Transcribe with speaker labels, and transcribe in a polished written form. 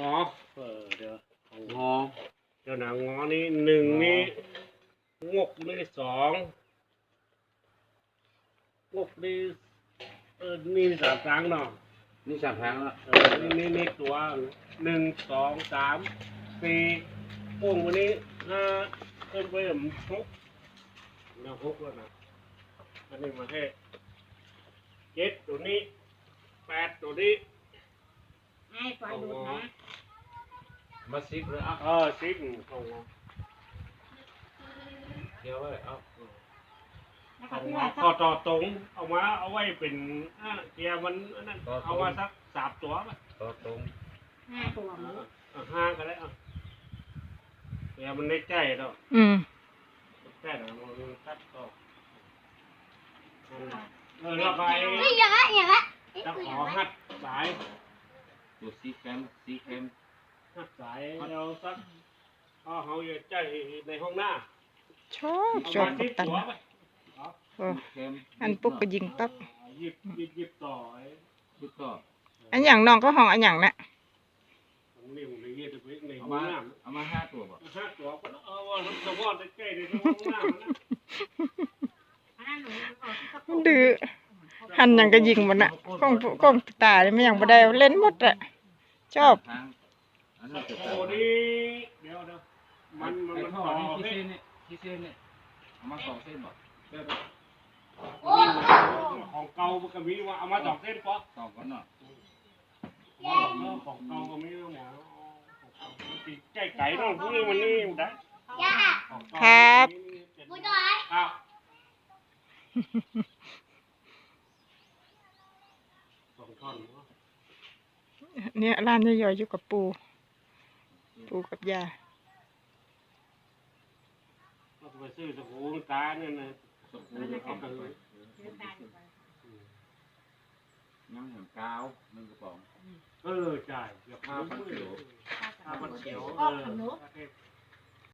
Speaker 1: อเดี๋ยวงอเดี๋ยวหนังงอนี่หนึ่งนี่งกนี่สองงกนี่นี่สามครั้งเนาะ
Speaker 2: นี่สามครั้งแล้ว
Speaker 1: นี่ตัวหนึ่งสองสามสี่โป่งวันนี้ห้าเพิ่มไปหกแล้วหกแล้วนะอันนี้มาแค่เจ็ดตัวนี้แปดตัวนี้
Speaker 3: ให้ปล่อยดูนะ
Speaker 2: มาซิกเลย
Speaker 1: ซิกของ
Speaker 2: เดี๋ยวไว้เอา
Speaker 1: ข้อต่อตรงเอามาเอาไว้เป็นเกียร์มันนั่นเอามาสักสามตัวป่ะ
Speaker 2: ต่อตรง
Speaker 3: 5 ตัวมั้ง
Speaker 1: ห้าก็ได้เกียร์มันได้ใจแล้วใจแล้วมันตัดต่อแล้วไปจะขอหัดสาย
Speaker 2: ตัวซีแคม
Speaker 1: หัดสายเราสักเขาจะใจในห้องหน้า
Speaker 4: ชอบกัปตันอันปุ๊บก็ยิงปั๊บ
Speaker 1: ยิบต่อ
Speaker 4: อันอย่างน้องก็ห้องอันอย่างน่ะ
Speaker 2: เอามา5 ตัวบ่
Speaker 1: 5 ตัวก็ว่าสมมติใกล้ในห้องหน้า
Speaker 4: มันดื้อหันอย่างก็ยิงมันน่ะกล้องตาเลยไม่อย่างบ่ได้เล่นหมดอ่ะชอบ
Speaker 1: โอ้นี่เดี๋ยวมันต่อ
Speaker 2: ที่เส้นนี่เอามา2 เส้นบ่
Speaker 1: ของเก่ามันก็มีว่าเอามา2 เส้นป่ะ
Speaker 2: 2ก่อนเนาะ
Speaker 1: ของเก่าก็มีหมอใจไก่น้องพวกนี้มันนี่ได้
Speaker 4: ครับ
Speaker 1: ครับ2 ท่อน
Speaker 4: เนี่ยร้านย่อยๆอยู่กับปูกับยา
Speaker 1: เราไปซื้อสบู่ตาเนี่ยนะสบู่เอาไปเลย
Speaker 2: น้ำแหงกาว1 กระป๋อง
Speaker 1: จ่ายเกือบ5,000 เขียว
Speaker 3: 5,000 เขียว